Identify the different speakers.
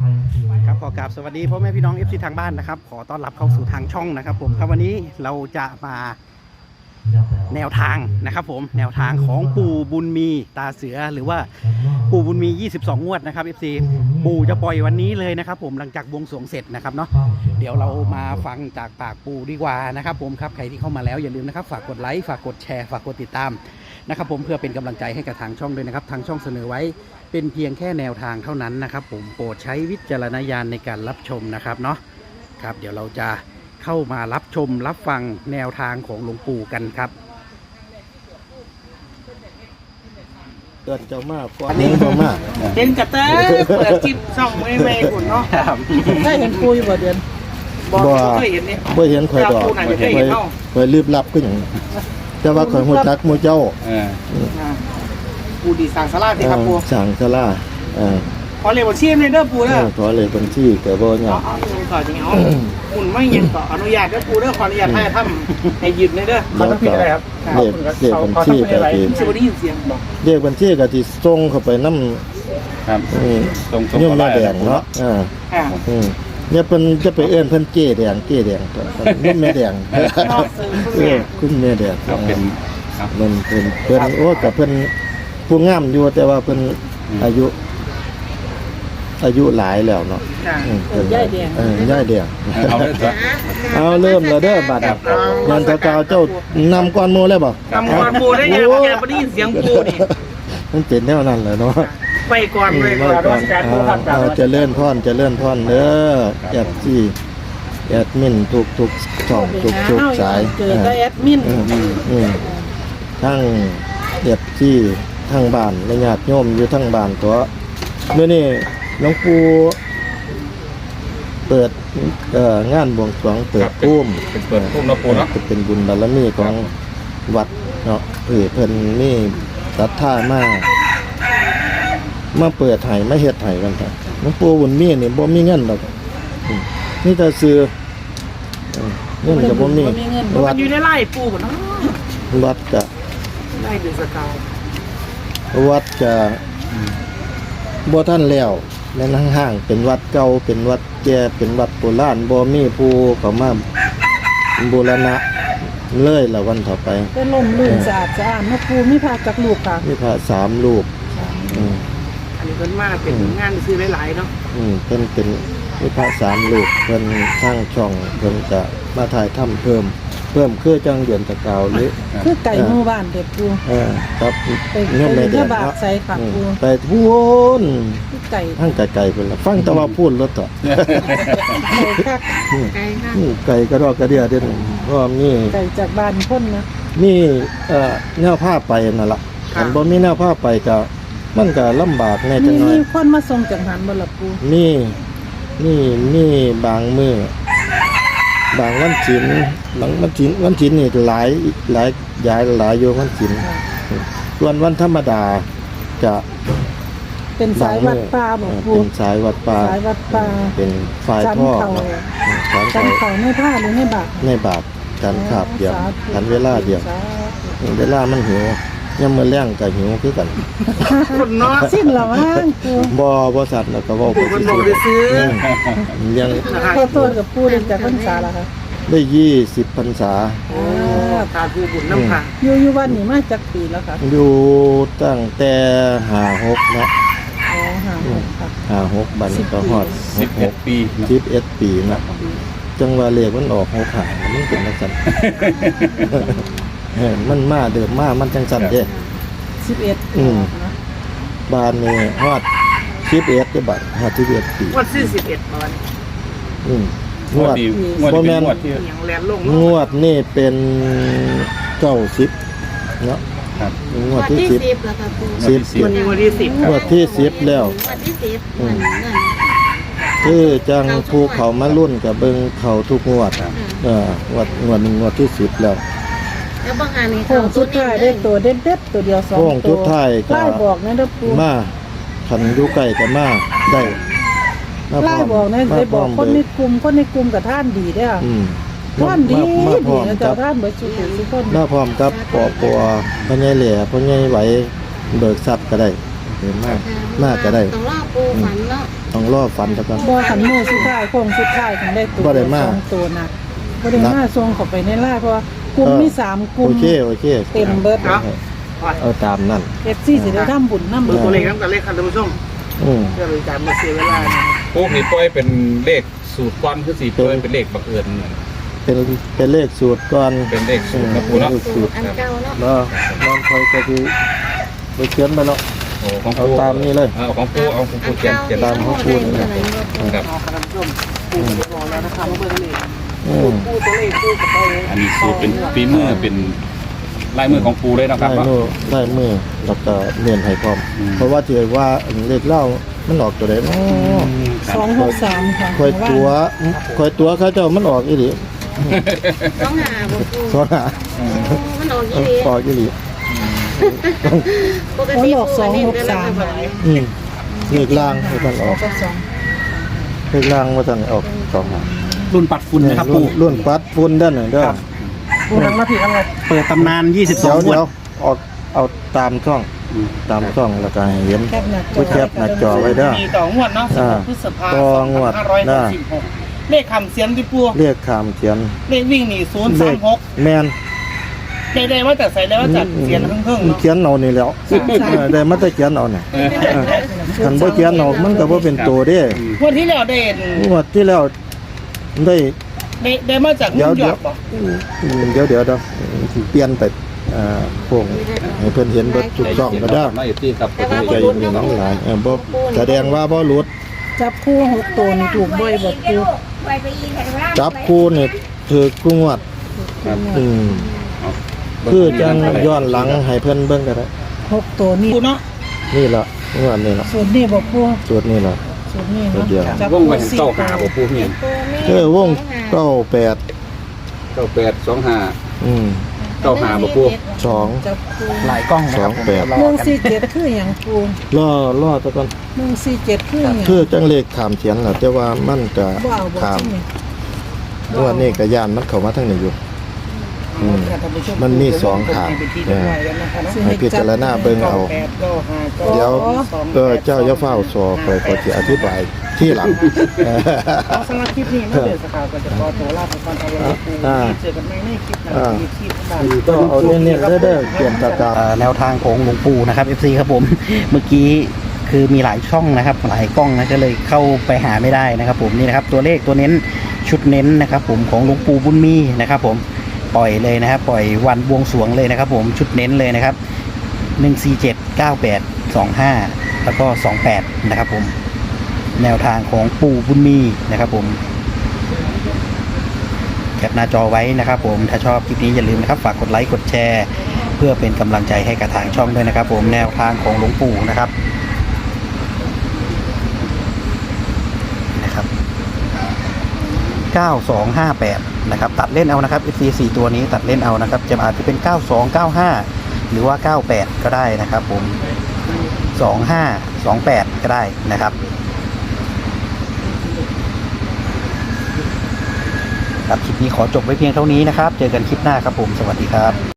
Speaker 1: ครับขอกราบสวัสดีพ่อแม่พี่น้อง FC ทางบ้านนะครับขอต้อนรับเข้าสู่ทางช่องนะครับผมครับวันนี้เราจะมาแนวทางนะครับผมแนวทางของปู่บุญมีตาเสือหรือว่าปู่บุญมี22งวดนะครับ FC ปู่จะปล่อยวันนี้เลยนะครับผมหลังจากบวงสรวงเสร็จนะครับเนาะเดี๋ยวเรามาฟังจากปากปู่ดีกว่านะครับผมครับใครที่เข้ามาแล้วอย่าลืมนะครับฝากกดไลค์ฝากกดแชร์ฝากกดติดตามนะครับผมเพื่อเป็นกำลังใจให้กับทางช่องด้วยนะครับทางช่องเสนอไว้เป็นเพียงแค่แนวทางเท่านั้นนะครับผมโปรดใช้วิจารณญาณในการรับชมนะครับเนาะครับเดี๋ยวเราจะเข้ามารับชมรับฟังแนวทางของหลวงปู่กันครับ
Speaker 2: เกิดเจ้ามากกว่านี้เจ้ามาก
Speaker 3: เห็นกระเตอเปิดจิบช่องไม่หุ่นเนาะได้เห็นปุยบ่เดือนบ่เคยเห็นนี่
Speaker 2: บ่เห็นข่อยดอกข่อยรีบรับก็อย่างแต่ว่าข่อยฮู้จักหมู่เจ้า
Speaker 3: ปูดีสั่งสลาสิครับปู
Speaker 2: สั่งสลา
Speaker 3: ขอเลขบัญชีในเด้อปูเด้อ
Speaker 2: ขอเลขบัญชีแต่บ่เนี่ย
Speaker 3: เอาต่อจังเอาหุ่นไม่ยังต่ออนุญาตเด้อปูเด้อขออนุญาตให้ทำให้หยุดในเด้อ
Speaker 2: ขอต้องผิดอะไรครับเลขบัญชีก็สิ
Speaker 3: บ่ได้ยินเสียงบ่
Speaker 2: เลขบัญชีก็สิส่งเข้าไปนำครับส่งแม่แดงเนาะเนี่ยเพิ่นจะไปเอิ้นเพิ่นเก้แดงนี่แม่แดงคุณแม่แดงเป็นมันเพิ่นโอ้กับเพิ่นผู้งามอยู่แต่ว่าเพิ่นอายุหลายแล้วเนาะ
Speaker 3: ย่ายแดง
Speaker 2: ย่ายแดงเอาเริ่มแล้วเด้อบัดยันตะกาวเจ้านำก้อนโมแล้วบ่
Speaker 3: นำก้อนโมได้ยังบ่ได้ยินเสียงปูนี่
Speaker 2: มันเป็นแนวนั้นแหละเนาะ
Speaker 3: ไปก่อนเลยก่อน
Speaker 2: เอาเจริญพรเด้อแอดมินทุกช่องทุกสาย
Speaker 3: เจอได้แอดมิน
Speaker 2: ทั้งที่ทั้งบ้านและญาติโยมอยู่ทั้งบ้านตัวเมื่อนี้หลวงปู่เปิดงานบวงสรวงเปิดพุ่ม
Speaker 1: นะปู่เนาะ
Speaker 2: เป็นบุญบารมีของวัดเนาะเพิ่นนี่ศรัทธามาเปิดไห้มาเฮ็ดไห้กันครับหลวงปู่บุญมีนี่บ่มีเงินดอกนี่แต่ซื้อเงินก็บ่มี
Speaker 3: วัดอยู่ในไร่ปู่บ่เนาะ
Speaker 2: วัดก็
Speaker 3: ไร่เป็นสกาว
Speaker 2: วัดก็บ่ทันแล้วแม่นห่างๆเป็นวัดเก่าเป็นวัดแก่เป็นวัดโบราณบ่มีผู้เข้ามาบูรณะเลยละวันต่อไป
Speaker 3: เป็นลมลื่นสะอาดเนาะปู่มีพระจักรูปค่ะ
Speaker 2: มีพระ3รูป
Speaker 3: อันนี้เพิ่นมาเป็นงานซื้อหลายๆเนาะ
Speaker 2: เป็นมีพระ3รูปเพิ่นสร้างช่องเพิ่นจะมาถ่ายทำเพิ่มคือจังเดือนตะกาวหรือ
Speaker 3: คือไก่หมู่บ้านเด็ดปู่
Speaker 2: ครับ
Speaker 3: เนี่ยแม่เด้อบาทใส่ค่ะปู่
Speaker 2: ไปพูน
Speaker 3: ไก่
Speaker 2: ทั้งไก่เพิ่นละฟังแต่ว่าพูนรถต่อไก่กระรอกกระเดียเด้อเพราะมี
Speaker 3: ไก่จากบ้านพ้นนะ
Speaker 2: นี่แนวผ้าไปนั่นล่ะคันบ่มีแนวผ้าไปก็มันก็ลำบากแน่จังหน่อย
Speaker 3: มีคนมาส่งจังหันบ่ล่ะปู่
Speaker 2: นี่บางมื้อบางวันศีลนี่หลายอยู่วันศีลส่วนวันธรรมดาจะ
Speaker 3: เป็นสายวัดป่าบ่ปู่
Speaker 2: เป็นสายวัดป่าเป็นฝ่ายท่อ
Speaker 3: จันเขาในผ้าหรือใน
Speaker 2: บาทกันขาบเดียวกันเวลาเดียวเวลามันหิวยังมื้อแลงก็หิวคือกัน
Speaker 3: เนาะสิ้นแล้วมั้งปู่
Speaker 2: บ่สัตว์แล้วก็เว้าไป
Speaker 3: ซื้อ
Speaker 2: ยัง
Speaker 3: ขอโทษกับปู่ได้จากพรรษาแล้วค่ะ
Speaker 2: ได้20พรรษา
Speaker 3: ตาผู้บุญน้ำค่ะอยู่บ้านนี่มาจากปีแล้วค่ะ
Speaker 2: อยู่ตั้งแต่56เนาะ56บัดนี้ก็ฮอด
Speaker 1: 11 ปี
Speaker 2: 11 ปีนะจังว่าเลขมันออก6หามันเป็นจังซั่นมันมาเดิมมามันจังซั่นเด้11บ้านนี้ฮอด11เด้อบัดฮอด11ปี
Speaker 3: ฮอด41ประมาณ
Speaker 2: งวดบ่แม่นงวดนี่เป็น90เนาะครับงวดที่10แล้วครับ10
Speaker 3: วันที่10
Speaker 2: งวดที่10แล้ว
Speaker 4: งวดที่10
Speaker 2: คือจังภูเขามารุ่นกับเบิ่งเขาทุกงวดงวด1งวดที่10แล้ว
Speaker 4: แล้วบางอันนี่
Speaker 3: โค้งสุดท้ายได้ตัวเด็ดๆตัวเดียว2ตัว
Speaker 2: โค้งสุดท้ายก็
Speaker 3: ไล่บอกนะเด้อปู่
Speaker 2: มาคันอยู่ใกล้ก็มาได้
Speaker 3: ไล่บอกนะได้บอกคนในกลุ่มกับท่านดีเด้อท่านดีนะเจ้าท่านเบิดสุคน
Speaker 2: มาพร้อมกับปอพ่อใหญ่แหล่พ่อใหญ่ไหวเบิกทรัพย์ก็ได้เห็นมากก็ได้
Speaker 4: ต้องรอปู่ฝันเนาะ
Speaker 2: ต้องรอฝันแล้วกัน
Speaker 3: บ่ขันมือสุดท้ายโค้งสุดท้ายถึงได้ตัว
Speaker 2: บ่ได้มา
Speaker 3: สองตัวนะบ่ได้มาส่งเข้าไปในไลน์เพราะว่ากลุ่มมี3กลุ่ม
Speaker 2: โอเค
Speaker 3: เต็มเบิด
Speaker 2: เอาตามนั่น
Speaker 3: FC สิได้ทำบุญนำ
Speaker 1: เบอร์ตัวเลขนั้นกับเลขคันท่านผู้ชม
Speaker 2: อืม
Speaker 1: เพื่อเป็นการมาเสียเวลานะ
Speaker 4: พวกนี้ปล่อยเป็นเลขสูตรก้อนคือสีปล่อยเป็นเลขบังเอิญ
Speaker 2: เป็นเลขสูตรก่อน
Speaker 4: เป็นเลขสูตรนะปูเนาะ
Speaker 2: เลขสูตร
Speaker 5: อันเก่าเนาะ
Speaker 2: แล้วนอนคอยก็คือไปเขียนไปแล้ว
Speaker 4: โอ้ของ
Speaker 2: เอา
Speaker 4: ปู
Speaker 2: ตามนี้เลย
Speaker 4: เอาของปูเอาของปูเขียนเขียน
Speaker 2: ตามของปูนี่
Speaker 4: ครับ
Speaker 1: เอาคันท่านผู้ชมปูจะบอกแล้วนะครับว่าเบอร์ตัวเลข
Speaker 2: อืม
Speaker 1: ปูตัวเลขปูกับไปเลย
Speaker 4: อันนี้สูตรเป็นฝีมือเป็นลายมือของปูเลยนะครับ
Speaker 2: ได้มือแล้วก็เนียนให้พร้อม
Speaker 4: อืม
Speaker 2: เพราะว่าเจอว่าเลขเล่ามันออกตัวไหนเนาะ
Speaker 3: 263ค่ะ
Speaker 2: คอยตัวเขาเจ้ามันออกอีหลี
Speaker 5: ต้องหาบ่ปู
Speaker 2: สอนหา
Speaker 5: มันออกยี่ดี
Speaker 2: ออกอีหลี
Speaker 5: ปกติปูเน้นแต่ละคน
Speaker 2: อืมเลขล่างให้มันออก
Speaker 3: กับ
Speaker 2: เลขล่างว่าท่านออกสองหา
Speaker 1: รุ่นปัดฝุ่นนะครับปู
Speaker 2: รุ่นปัดฝุ่นด้านหนึ่งเด้อ
Speaker 1: ปูนังมาผิดอะไรเปิดตำนาน
Speaker 2: เดี๋ยว
Speaker 1: 22งวด
Speaker 2: ออกเอาตามช่องตามช่องแล้วก็ให้เห็น
Speaker 3: แคปหน้า
Speaker 2: ผู้แคปหน้าจอไว้เด้อ
Speaker 6: มีต่องวดเนาะ
Speaker 2: อ่า
Speaker 6: 16พฤษภา
Speaker 2: ต่องวดได้
Speaker 6: 2566เลขคำเสียนที่ปู
Speaker 2: เรียกคำเขียน
Speaker 6: เลขวิ่งหนี
Speaker 2: เลข
Speaker 6: 036
Speaker 2: แมน
Speaker 6: ได้ว่าแต่ใส่ได้ว่าจัดเสียนครึ่งๆเนาะ
Speaker 2: เขียนเอานี่แล้วได้มาแต่เขียนเอาเนี่ยคันบ่เขียนเอามันก็บ่เป็นตัวเด้
Speaker 6: งวดที่แล้วได้
Speaker 2: งวดที่แล้วได้
Speaker 6: ได้มาจาก
Speaker 2: เดี๋
Speaker 6: นิ
Speaker 2: ยว
Speaker 6: วยอร์กบ่
Speaker 2: เดี๋ยวสิเปลี่ยนไปพวกให้เพิ่นเห็นเบิดทุกช่องก็ได้
Speaker 4: ไม่ที่ครับ
Speaker 5: แต่ว่า
Speaker 2: ใจ
Speaker 5: บ่
Speaker 2: เย็
Speaker 5: รู้
Speaker 2: นๆ
Speaker 5: เนาะ
Speaker 2: น้องหลายบ่แสดงว่าบ่หลุด
Speaker 3: จับคู่6ตัวนี่ถูกบ่อยบ่ปู
Speaker 2: จับคู่นี่ถือกุ้งวดอืมคือจังย้อนหลังให้เพิ่นเบิ่งก็ได้
Speaker 3: 6ตัวนี่
Speaker 6: ปูเนาะ
Speaker 2: นี่ล่ะงวดนี่ล่ะ
Speaker 3: ส่วนนี้บ่ปู
Speaker 2: สูตรนี่ล่ะ
Speaker 3: ส่วนนี้
Speaker 2: ตัว
Speaker 3: เนาะ
Speaker 2: เดียว
Speaker 3: จับ
Speaker 4: วง
Speaker 3: คู่
Speaker 4: ไป
Speaker 3: สี่
Speaker 4: เก้า
Speaker 3: ตัว
Speaker 4: หาบ่ปูนี่
Speaker 2: วง98
Speaker 4: 9825
Speaker 2: อืม
Speaker 4: 95บ่ปู
Speaker 2: 2
Speaker 3: จับคู่
Speaker 1: หลายกล้องนะครับผม
Speaker 2: 28
Speaker 1: รอกัน
Speaker 3: 147คือหยังปู
Speaker 2: รอตะก่อน
Speaker 3: 147คือหยัง
Speaker 2: คือจังเลขขามเขียนล่ะแต่ว่ามันก็
Speaker 3: บ่เอาบ่
Speaker 2: ขาม
Speaker 3: จริงนี่
Speaker 2: งวดนี้ก็ย่านมันเข้ามาทางนี้อยู่อืมมันมีสองขาง ให้พิจารณาเบิ่งเอา เดี๋ยวเจ้าอย่าเฝ้าสอไปก็สิอธิบายที่หลัง
Speaker 6: สำหรับคลิปนี้นะเดือนสกาวก็จะขอตัวลาไปก่อนเอาไว้ปูเจอกันใหม่ในคลิปหน้าที่ที่บ้าน
Speaker 2: ก็เอาเน้นๆเด้อๆเปลี่ยนตากา
Speaker 1: แนวทางของหลวงปู่นะครับ FC ครับผม เมื่อกี้คือมีหลายช่องนะครับ หลายกล้องนะก็เลยเข้าไปหาไม่ได้นะครับผมนี่นะครับตัวเลขตัวเน้นชุดเน้นนะครับผมของหลวงปู่บุญมีนะครับผมปล่อยเลยนะครับปล่อยวันบวงสรวงเลยนะครับผมชุดเน้นเลยนะครับ147 98 25แล้วก็28นะครับผมแนวทางของปู่บุญมีนะครับผมแคปหน้าจอไว้นะครับผมถ้าชอบคลิปนี้อย่าลืมนะครับฝากกดไลค์กดแชร์เพื่อเป็นกำลังใจให้กับทางช่องด้วยนะครับผมแนวทางของหลวงปู่นะครับ9258นะครับตัดเล่นเอานะครับ FC 4ตัวนี้ตัดเล่นเอานะครับจะอาจจะเป็น9295หรือว่า98ก็ได้นะครับผม2528ก็ได้นะครับครับคลิปนี้ขอจบไว้เพียงเท่านี้นะครับเจอกันคลิปหน้าครับผมสวัสดีครับ